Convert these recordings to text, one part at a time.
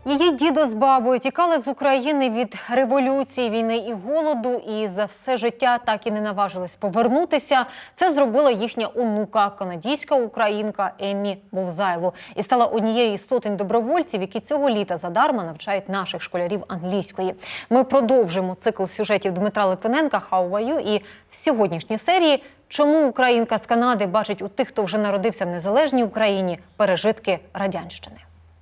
Її дідо з бабою тікали з України від революції, війни і голоду, і за все життя так і не наважились повернутися. Це зробила їхня онука, канадійська українка Еммі Вовзайло. І стала однією із сотень добровольців, які цього літа задарма навчають наших школярів англійської. Ми продовжимо цикл сюжетів Дмитра Литвиненка «How are you?» і в сьогоднішній серії «Чому українка з Канади бачить у тих, хто вже народився в незалежній Україні, пережитки радянщини».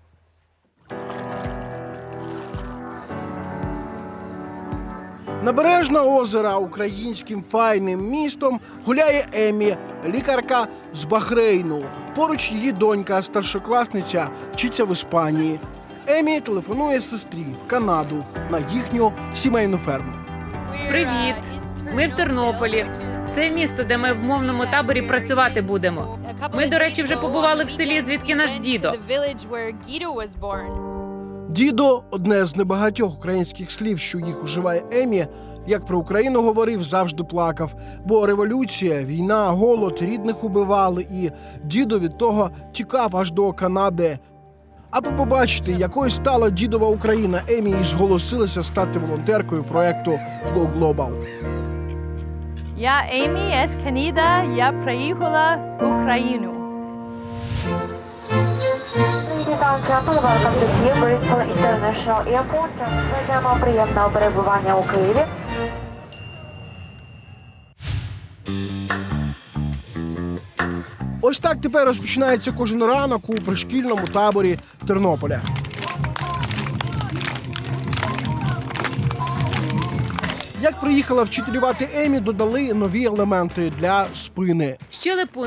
Набережна озера українським файним містом гуляє Еммі, лікарка з Бахрейну. Поруч її донька, старшокласниця, вчиться в Іспанії. Еммі телефонує сестрі в Канаду на їхню сімейну ферму. Привіт! Ми в Тернополі. Це місто, де ми в мовному таборі працювати будемо. Ми, до речі, вже побували в селі, звідки наш дідо. Дідо – одне з небагатьох українських слів, що їх уживає Еммі. Як про Україну говорив, завжди плакав. Бо революція, війна, голод, рідних убивали. І дідо від того тікав аж до Канади. Аби побачити, якою стала дідова Україна, Еммі і зголосилася стати волонтеркою проєкту Go Global. Я Еммі з Канади, я приїхала в Україну. Welcome to Kyiv Boryspil International Airport. Бажаємо приємного перебування у Києві. Ось так тепер розпочинається кожен ранок у пришкільному таборі Тернополя. Як приїхала вчителювати Еммі, додали нові елементи для спини. Щелепу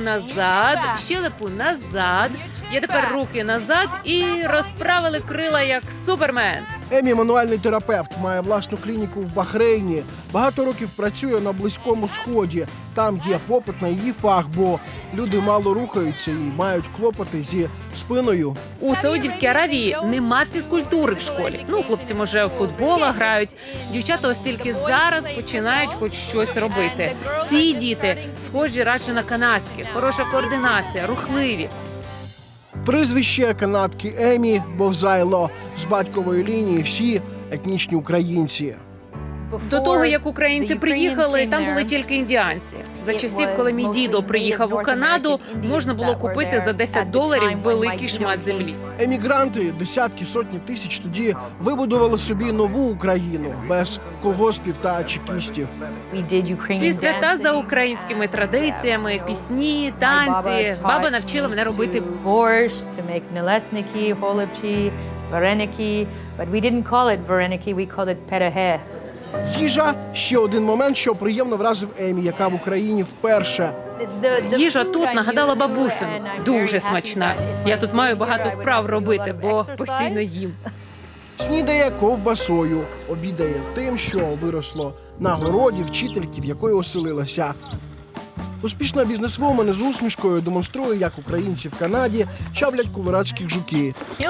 назад. Я тепер руки назад і розправили крила, як Супермен. Еммі – мануальний терапевт, має власну клініку в Бахрейні. Багато років працює на Близькому Сході. Там є попит на її фах, бо люди мало рухаються і мають клопоти зі спиною. У Саудівській Аравії нема фізкультури в школі. Хлопці, може, в футбола грають. Дівчата ось тільки зараз починають хоч щось робити. Ці діти схожі радше на канадських. Хороша координація, рухливі. Прізвище канадки Еммі Вовзайло. З батькової лінії всі етнічні українці. До того, як українці приїхали, там були тільки індіанці. За часів, коли мій дідо приїхав у Канаду, можна було купити за $10 великий шмат землі. Емігранти, десятки, сотні тисяч тоді вибудували собі нову Україну без колгоспів та чекістів. Всі свята за українськими традиціями, пісні, танці. Баба навчила мене робити борщ, to make налесники, голубці, вареники. But we didn't call it вареники, we called it переге. Їжа – ще один момент, що приємно вразив Еммі, яка в Україні вперше. Їжа тут нагадала бабусину. Дуже смачна. Я тут маю багато вправ робити, бо постійно їм. Снідає ковбасою, обідає тим, що виросло на городі вчительки, в якої оселилася. Успішна бізнесвумен з усмішкою демонструє, як українці в Канаді чавлять колорадських жуки.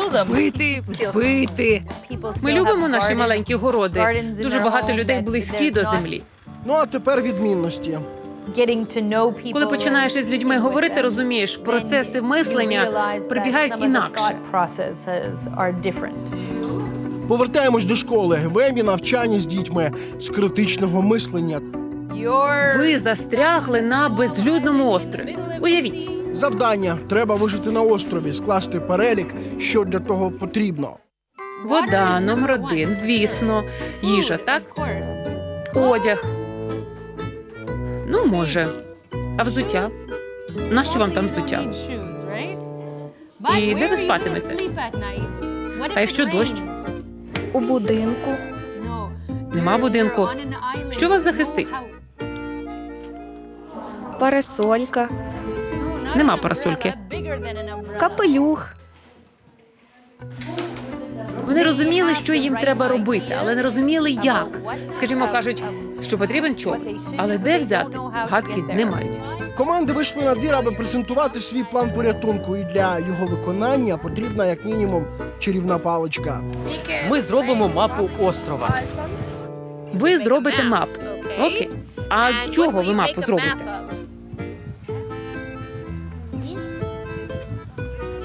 Пити. Ми любимо наші маленькі городи. Дуже багато людей близькі до землі. Ну а тепер відмінності. Коли починаєш із людьми говорити, розумієш, процеси мислення прибігають інакше. Повертаємось до школи. В Еммі навчання з дітьми з критичного мислення. Ви застрягли на безлюдному острові. Уявіть. Завдання – треба вижити на острові, скласти перелік, що для того потрібно. Вода, номер 1, звісно. Їжа, так? Одяг. Може. А взуття? Нащо вам там взуття? І де ви спатимете? А якщо дощ? У будинку. Нема будинку. Що вас захистить? Парасолька. Нема парасольки. Капелюх. Вони розуміли, що їм треба робити, але не розуміли, як. Скажімо, кажуть, що потрібен човен. Але де взяти? Гадки не мають. Команди вийшли на двір, аби презентувати свій план порятунку. І для його виконання потрібна, як мінімум, чарівна паличка. Ми зробимо мапу острова. Ви зробите мапу. Окей. А з чого ви мапу зробите?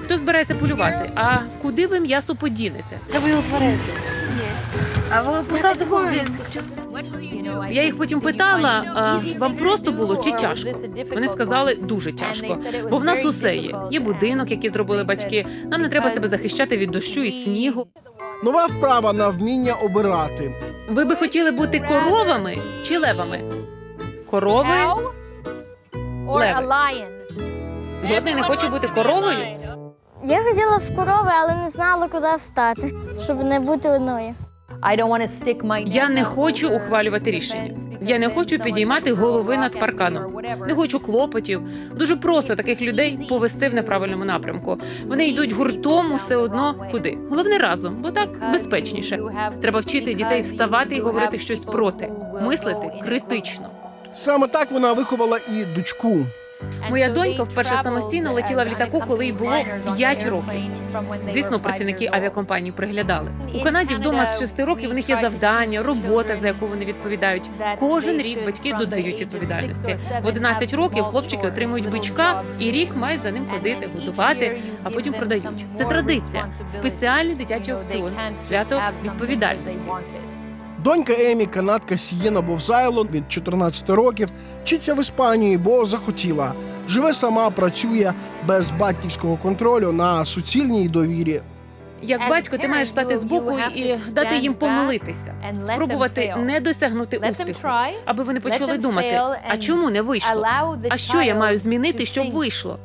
Хто збирається полювати? А куди ви м'ясо подінете? Треба його зварити. А ви поставте в холодильник. Я їх потім питала, а вам просто було чи тяжко? Вони сказали, дуже тяжко. Бо в нас усе є. Є будинок, який зробили батьки. Нам не треба себе захищати від дощу і снігу. Нова вправа на вміння обирати. Ви би хотіли бути коровами чи левами? Корови? Леви. Жодний не хоче бути коровою? Я хотіла в корови, але не знала, куди встати, щоб не бути одною. Я не хочу ухвалювати рішення. Я не хочу підіймати голови над парканом. Не хочу клопотів. Дуже просто таких людей повести в неправильному напрямку. Вони йдуть гуртом усе одно куди. Головне разом, бо так безпечніше. Треба вчити дітей вставати і говорити щось проти. Мислити критично. Саме так вона виховала і дочку. Моя донька вперше самостійно летіла в літаку, коли їй було 5 років. Звісно, працівники авіакомпанії приглядали. У Канаді вдома з 6 років у них є завдання, робота, за яку вони відповідають. Кожен рік батьки додають відповідальності. В 11 років хлопчики отримують бичка, і рік мають за ним ходити, годувати, а потім продають. Це традиція. Спеціальний дитячий аукціон. Свято відповідальності. Донька Емі, канадка Сієна Бовзайло, від 14 років, вчиться в Іспанії, бо захотіла. Живе сама, працює без батьківського контролю на суцільній довірі. Як батько, ти маєш стати збоку і дати їм помилитися, спробувати не досягнути успіху, аби вони почали думати, а чому не вийшло? А що я маю змінити, щоб вийшло?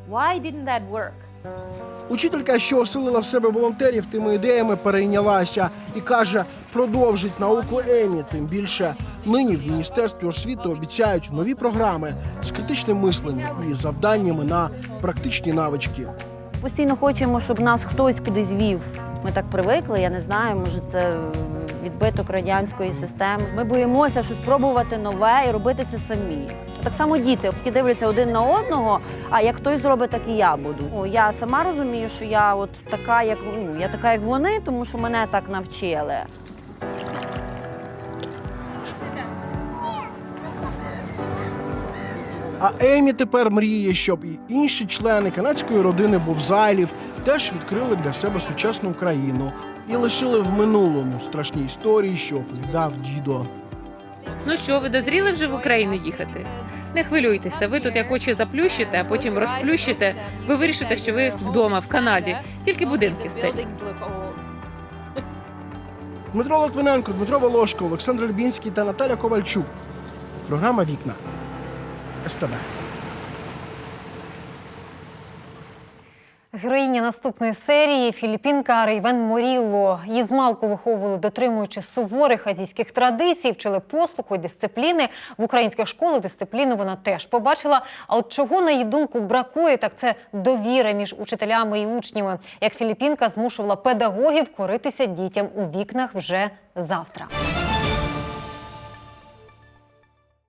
Учителька, що оселила в себе волонтерів тими ідеями, перейнялася і каже, продовжить науку Емі. Тим більше нині в Міністерстві освіти обіцяють нові програми з критичним мисленням і завданнями на практичні навички. Постійно хочемо, щоб нас хтось кудись вів. Ми так привикли, я не знаю, може це відбиток радянської системи. Ми боїмося щось спробувати нове і робити це самі. Так само діти, які дивляться один на одного, а як хтось зробить, так і я буду. Я сама розумію, що я от така, як вони, тому що мене так навчили. А Емі тепер мріє, щоб і інші члени канадської родини Бовзайлів теж відкрили для себе сучасну Україну і лишили в минулому страшні історії, що оповідав дідо. Ну що, ви дозріли вже в Україну їхати? Не хвилюйтеся, ви тут як очі заплющите, а потім розплющите. Ви вирішите, що ви вдома, в Канаді. Тільки будинки старі. Дмитро Литвиненко, Дмитро Волошко, Олександр Льбінський та Наталя Ковальчук. Програма «Вікна». СТБ. Героїня наступної серії – філіппінка Рейвен Морілло. Її змалку виховували, дотримуючи суворих азійських традицій, вчили послуху і дисципліни. В українських школах дисципліну вона теж побачила. А от чого, на її думку, бракує, так це довіра між учителями і учнями. Як філіппінка змушувала педагогів коритися дітям у вікнах вже завтра.